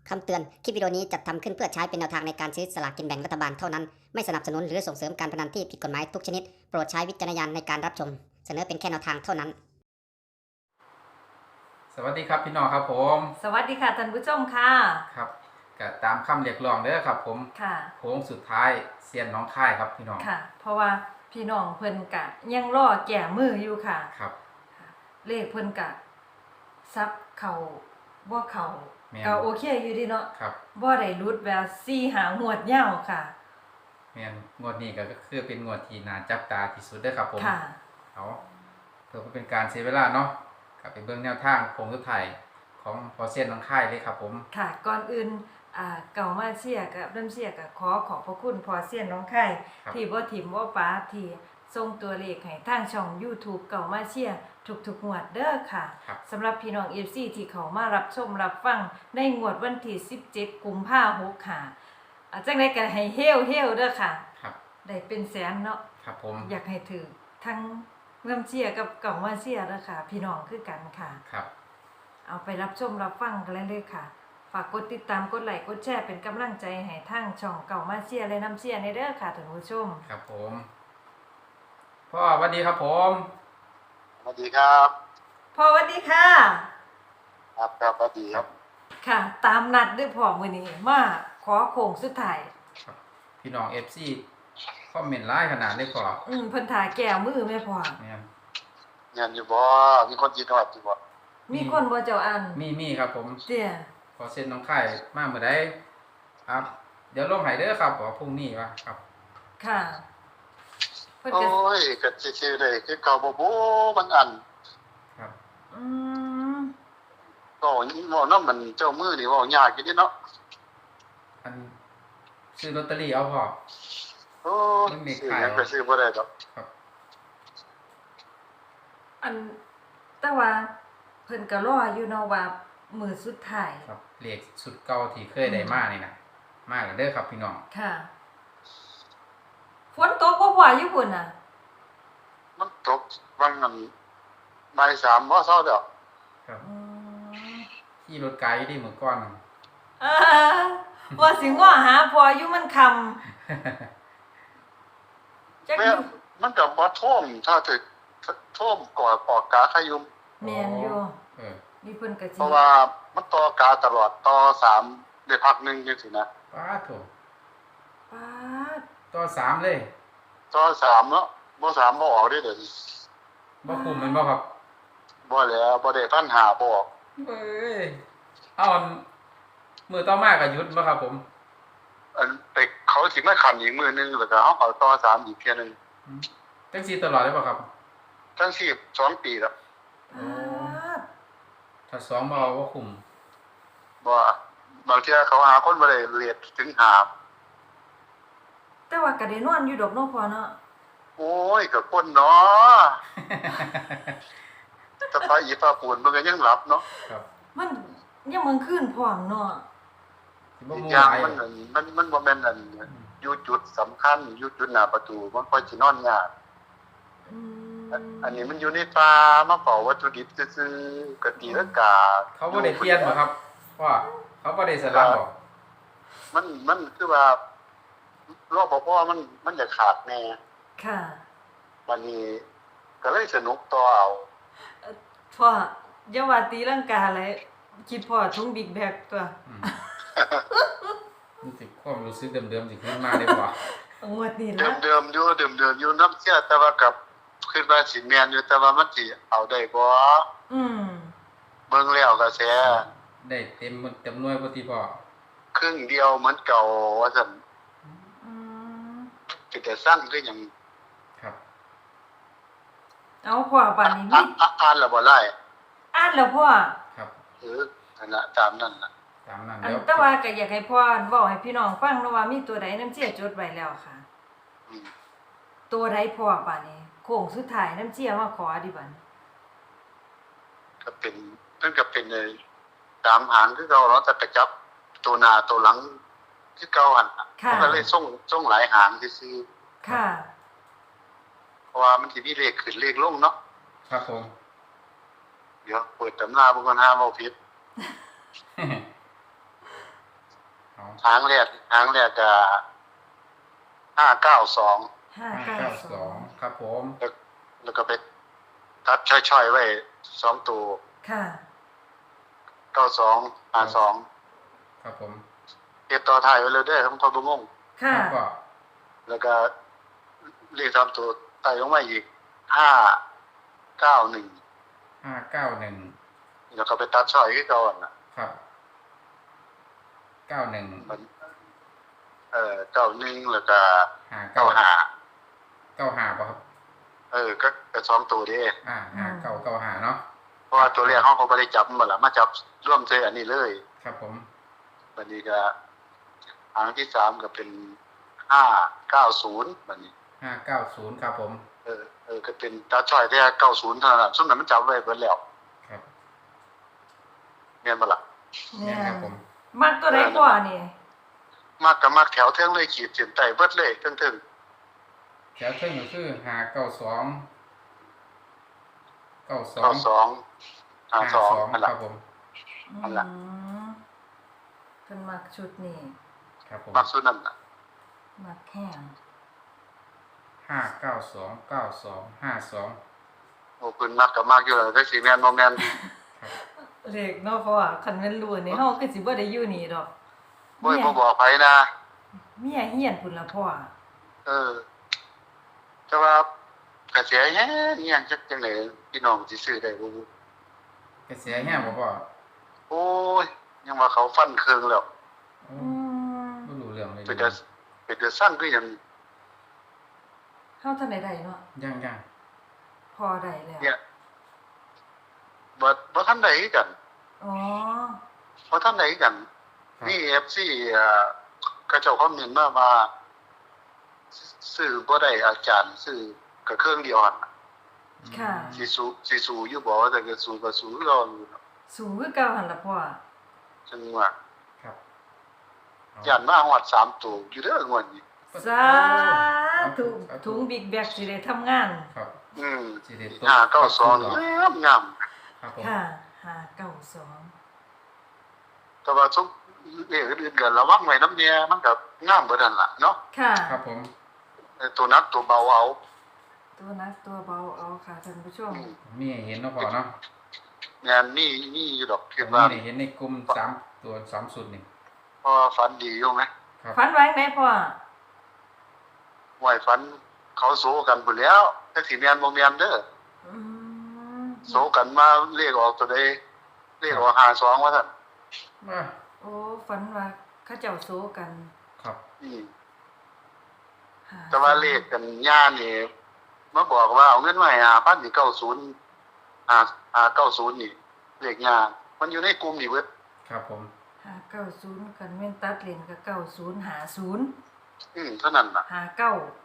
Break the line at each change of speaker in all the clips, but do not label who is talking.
คำเตือน คลิปวิดีโอนี้จัดทำขึ้นเพื่อใช้เป็นแนวทางในการซื้อสลากกินแบ่งรัฐบาลเท่านั้น ไม่สนับสนุนหรือส่งเสริมการพนันที่ผิดกฎหมายทุกชนิด โปรดใช้วิจารณญาณในการรับชม เสนอเป็นแค่แนวทางเท่านั้น
สวัสดีครับพี่น้องครับผม
สวัสดีค่ะท่านผู้ชมค่ะ
ครับก็ตามคำเรียกร้องเด้อครับผม
ค่ะ
โค้งสุดท้ายเซียนน้องค่ายครับพี่น้อง
ค่ะ เพราะว่าพี่น้องเพิ่นกะยังรอแก่มืออยู่ค่ะ
ครับ
เลขเพิ่นกะซับเขาบ่เขา
แม่น
ก็โอเคอยู่ดีเนาะ
ครับ
บ่ได้รุดแบบ4 หางวดยาวค่ะ
แม่นงวดนี้ก็คือเป็นงวดที่น่าจับตาที่สุดเด้อครับผม
ค่ะ
เอาเพื่อเป็นการเสียเวลาเนาะก็ไปเบิ่งแนวทางโค้งสุดท้ายของพอเซียนน้องค่ายเลยครับผม
ค่ะก่อนอื่นเก่ามาเชียร์กับเริ่มเชียร์กับขอขอบพระคุณพอเซียนน้องไข่
ครับ
ที่บ่ถิ่มบ่ป้าที่ส่งตัวเลขให้ทางช่อง YouTube เก่ามาเชียร์ทุกๆงวดเด้อค่ะ
ครับ
สำหรับพี่น้อง FC ที่เขามารับชมรับฟังในงวดวันที่17 กุมภาพันธ์ค่ะจังได๋ก็ให้เฮลเด้อค่ะ
ครับ ได้
เป็นแสนเนาะ
ครับผม
อยากให้ถือทั้งเริ่มเชียร์กับเก่ามาเชียร์เด้อค่ะ พี่น้องคือกันค่ะ
ครับ
เอาไปรับชมรับฟังกันเลยค่ะ ฝากกดติดตามกดไลค์กดแชร์เป็นกำลังใจให้ทางช่องเก่ามาเชียร์และน้ำเชียร์ในเด้อค่ะท่านผู้ชม
ครับผมพ่อสวัสดีครับผม
สวัสดีครับ
พ่อสวัสดีค่ะ
ครับสวัสดีครับ
ค่ะ ตามนัดด้วยพ่อมื้อนี้มาขอโค้งสุดท้าย
ครับพี่น้อง FC คอมเมนต์ไลน์ขนาดเลยพ่อ
เพิ่นถ่าแก้วมือแม่พ่อ
แม่น
งานอยู่บ่มีคนจีนวัดอยู่บ่
มีคนบ่เจ้าอัน
มีครับผม
เตี้ย
พอเซ็นน้องค่ายมาเมื่อใดครับ เดี๋ยวลงให้เด้อครับบอกพรุ่งนี้วะครับ
ค่ะเพิ่น
โอ้
ก็
ยก็ชื่อๆได้คือเก่าบ่บ่มันอัน
ครับ
อืม
ก็บ่นำมันเจ้ามือนี่เว้ายากอยู่เด้เนาะ
อันซื้อลอตเตอรี่เอาพอ
โอ้ย
มันมี
ซื้อ
ขาย
หยังก็ซื้อบ่ได้ดอก
ครับ
อันแต่ว่าเพิ่นก็รออยู่เนาะว่ามื้อสุดท้าย
ครับเลขสุดเก่าที่เคยได้มานี่นะมากันเด้อครับพี่น้อง
ค่ะฝนตกบ่พ่ออยู่พุ่นน่ะ
มันตกวังนั้นบ่าย3บ่เช้าดอก
ครับ
อืม
ขี่รถไกลดิมื้อก่อน
อ่าว่าสิง้อหาพออยู่มันคำจัก
แม่
อยู่
มันก็บ่ท่วมถ้าถึกท่วมก่อปอกกาขยุม
แม่นอยู่
เออ
มีเพิ่นก็สิ
เพราะว่ามันต่อกาตลอดต่อ3ได้พักหนึงจังซี่นะ
ป้าโถ
ป๊าด
ต่อ3เลย
ต่อ3เนาะบ่3บ่ออกเด้เดี๋ยวนี้
บ่คุ้มแม่นบ่ครับ
บ่แล้วบ่ได้พันหาบ่ออก
เอ้ยเอาอันมื้อต่อมาก็หยุดบ่ครับผม
อันไปเขาสิมาขันอีกมือนึงแล้วก็เฮาเขาต่อ3อีกเที่ยนึง
จังซี่ตลอดเลยบ่ครับ
ทั้ง12 ปีแล้ว
ป๊าด
ถ้า2บ่เอาบ่คุ้ม
บ่บางเที่ยเขาหาคนบ่ได้เรียนถึงหา
แต่ว่าก็ได้นอนอยู่ดอกเนาะพ่อเนาะ
โอ้ยก็คนเนาะแต่พาอีฟ้าปูนมันก็ยังหลับเนาะ
ครับ
มันยังมื้อคืนพร้อมเนาะ
สิบ่
อีก
มู่
อย่า
ห
ง
ลาย
มันบ่แม่นอันอยู่จุดสำคัญอยู่จุดหน้าประตูมันค่อยสินอนยาก
อืม
อันนี้มันอยู่ในป่ามาเฝ้าวัตถุดิบซื่อๆก็ตีลังกา
เขาบ่ได้เปลี่ยนบ่ครับว่าเขาบ่ได้สลับบ่
มันคือว่ารปภมันจะขาดแน่
ค่ะ
วันนี้ก็เลยสนุกต่อเอา
พ่ออย่าว่าตีลังกาเลยคิดพ่อถุงบิ๊กแบกตัว
อืมรู้สึกความรู้สึกเดิมๆสิขึ้นมาได้บ่
งวดนี้
เดิ
ละ
มเดิมๆอยู่น้ำเสียแต่ว่ากับขึ้นมาสิแมนอยู่แต่ว่ามันสิเอาได้บ่
อืม
เบิ่งแล้วก็แซ่
ได้เต็มจำนวนบ่ติพ่อ
ครึ่งเดียวเหมือนเก่าว่าซั่น
อืม
สิแต่สร้างคือหยัง
ครับ
เอาพ่อป่านนี้
อ่านแล้วบ่ไล่
อ่านแล้วพ่อ
ครับ
นั่นน่ะตามนั้นน่ะ
ตามนั้น
อัน
แล้ว
แต่ว่าก็อยากให้พ่อเว้าให้พี่น้องฟังเนาะว่ามีตัวใดน้ำเชี่ยจดไว้แล้วค่ะ
อืม
ตัวใดพ่อป่านนี้โค้งสุดท้ายน้ำเชี่ยมาขอดิบัดนี้
ก็เป็นมันก็เป็นในตามหางคือเก่าเนาะแต่ไปจับตัวหน้าตัวหลังคือเก่าหั่นน่ะ
ค่ะ
มันก็เลยส่งหลายหางซื่อ
ค่ะ
ๆเพราะว่ามันสิมีเลขขึ้นเลขลงเนาะ
ครับผม
เดี๋ยวเปิดตำราเบิ่งก่อนหาเว้าผิดหางแรกก็592
592ครับผม
แล้วก็ไปตัดช่อยๆไว้2ตัว
ค่ะ
92 52
ครับผม
เก็บต่อท้ายไว้เลยเด้อของพ่อบ่งง
ค่ะ
ครับก็
แล้วก็เลข3ตัวไต่ลงมาอีก591
591
แล้วก็ไปตัดช่อยคือเก่านั่นน่ะ
ครับ91
มัน91แล้วก็
59
95
95ป่ะครับ
ก็2ตัวเด้
5995เนาะ
เพราะว่าตัวแรกเฮาก็บ่ได้จับมันล่ะมาจับร่วมใส่อันนี้เลย
ครับผม
บัดนี้ก็หางที่3ก็เป็น590บัดนี้
590ครับผม
ก็เป็นตัดช่อยแค่90เท่านั้นล่ะซุมนั้นมันจับไว้เบิดแล้ว
ครับ
แม่นบ่ล่ะ
เนี่
เนี่ย
ย
ครับผม
มักตัวใดกว่านี่
มักก็มักแถวเทิงเลยขีดเส้นใต้เบิดเลยเทิง
แถวเทิงก็คือ592
ๆ
92
92 52นั่น
ค
ล่ะ
รับผม
นั่นล่ะ
เพิ่นมักชุดนี้
ครับผม
มักสุดนั่นน่ะ
มักแห้ง
592 92 52
โอ้เพิ่นมักก็มักอยู่แล้วแต่สิแม่นบ่แม่น
เลขเนาะเพราะว่าคันแม่นรู้นี่เฮาคือสิบ่ได้อยู่นี่ดอก
บ่บอกไผนะ
เมียเฮียนพุ่นล่ะพ่อ
แต่ว่ากระแสแฮงอิหยังจังได๋พี่น้องสิซื้อได้บ่
กระแสแห้งบ่พ่อ
โอ้ยยังว่าเขาฟันเครื่องแล้ว
โอ้
อืม
บ่รู้เรื่องเลย
เป็นแต่สร้างคือหยัง
เฮาทันได้เนาะ
ยัง
พอได้แล้ว
เนี่ยบ่ทันได้คือกัน
อ๋อ
บ่ทันได้คือกัน
ครับ
นี่ FC เขาเจ้าคอมเมนต์มาว่าซื้อบ่ได้อาจารย์ซื้อก็เครื่องเดียวหั่นน่ะ
ค่ะ
สิสู้อยู่บ่แต่ก็สู้ก็สู้คือเก่าอยู่เนาะ
สูงคือเก่าหั่นล่ะพ่อ
จังว่า
ครับเอา
ย่านมาฮอด3ตัวอยู่เด้องวดนี้
สาธุถุงบิ๊กแบกสิได้ทำงาน
ครับ
อืม
สิได้ตก
592งาม
ครับผม
ค่ะ592
แต่ว่าทุกเรื่องอื่นๆก็ระวังไว้นำเนี่ยมันก็งามเบิดนั่นล่ะเนาะ
ค่ะ
ครับผม
ตัวนักตัวเบาเอา
ตัวนักตัวเบาเอาค่ะท่านผู้ชม
มีให้เห็นเนาะพ่อเนาะ
งานนี่อยู่ดอกคิด
มี
ว่า
ให้เห็นในกลุ่ม3ตัว3สุดนี่
พอฝันดีอยู่ไหม
ครับ
ฝันไว้ไหนพ่อ
ไหวฝันเขาโซกันพุ่นแล้วแต่สิแม่นบ่แม่นเด้อ
อืม
โซกันมาเลขออกตัวใดเลขออก52ว่าซั่น
มา
โอ้ฝันว่าเขาเจ้าโซกัน
ครับ
อืม
หา
แต่ว่าเลขกันย่านี่มาบอกว่าเอาเงินมาให้5,000นี่90นี่เลขย่ามันอยู่ในกลุ่มนี่เบิด
ครับผม
590กันแม่นตัดเลนก็9050
เท่านั้นน่ะ
59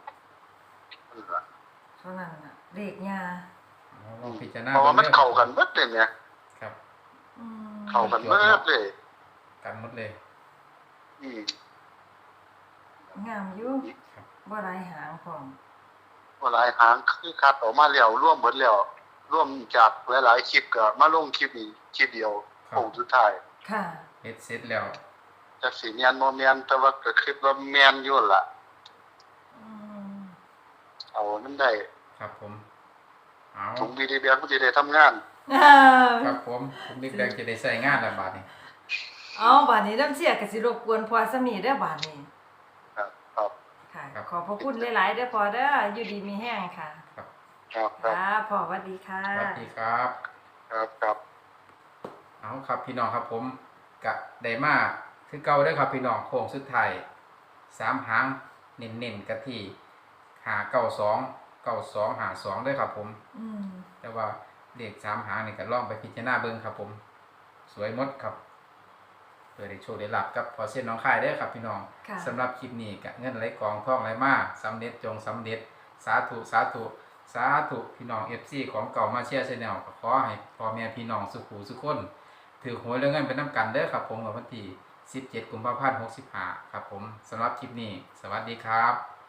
เท่านั้นน่ะเลขยา
เอาลองพิจารณา
เพราะว่ามันเข้ากันเบิดเลยเนี่ย
ครับ
อืม
เข้ากันเบิดเลย
กันหมดเลย
อืม
งามอยู่
ครับ
บ่หลายหางพร้อม
ว่าหลายหางคือคัดออกมาแล้วร่วมเบิดแล้วร่วมจากหลายๆคลิปก็มาลงคลิปนี้คลิปเดียวโค้งสุดท้าย
ค่ะ
เฮ็ดเสร็จแล้ว
จักสิแม่นบ่แม่นแต่ว่าก็คิดว่าแม่นอยู่ล่ะ
อืม
เอามันได้
ครับผมเอา
ถุงบีดีแบงมันสิได้ทำงาน
ครับผมบิ๊กแบงจะได้ใช้งานแล้วบาดนี้
เอาบัดนี้น้ำเสียก็สิรบกวนพ่อสมีเด้อบัดนี้
ครับครับ
ค่ะ ขอบพระคุณหลายๆเด้อพ่อเด้ออยู่ดีมีแห้งค่ะ
ครับ
ครับครับ
ค่ะพ่อสวัสดีค่ะ
สวัสดีครับ
ครับครับ
เอาครับพี่น้องครับผมกะได้มาคือเก่าเด้อครับพี่น้องโค้งสุดท้าย3หางเน้นๆกะที่592 9252เด้อครับผม
อืม
แต่ว่าเลข3หางนี่ก็ลองไปพิจารณาเบิ่งครับผม สวยหมดครับเพื่อได้โชคได้ลาภกับพอเส้นน้องค่ายเด้อครับพี่น้อง
ค่ะ
สำหรับคลิปนี้ก็เงินไหลกองทองไหลมาสำเร็จจงสำเร็จสาธุสาธุสาธุพี่น้อง FC ของเก่ามาเชียร์ Channel ก็ขอให้พ่อแม่พี่น้องสุขุสุขคนถือหวยเรื่องเงินเป็นน้ำกันเด้อครับผมวันที่17 กุมภาพันธ์ 65ครับผมสำหรับคลิปนี้สวัสดีครับ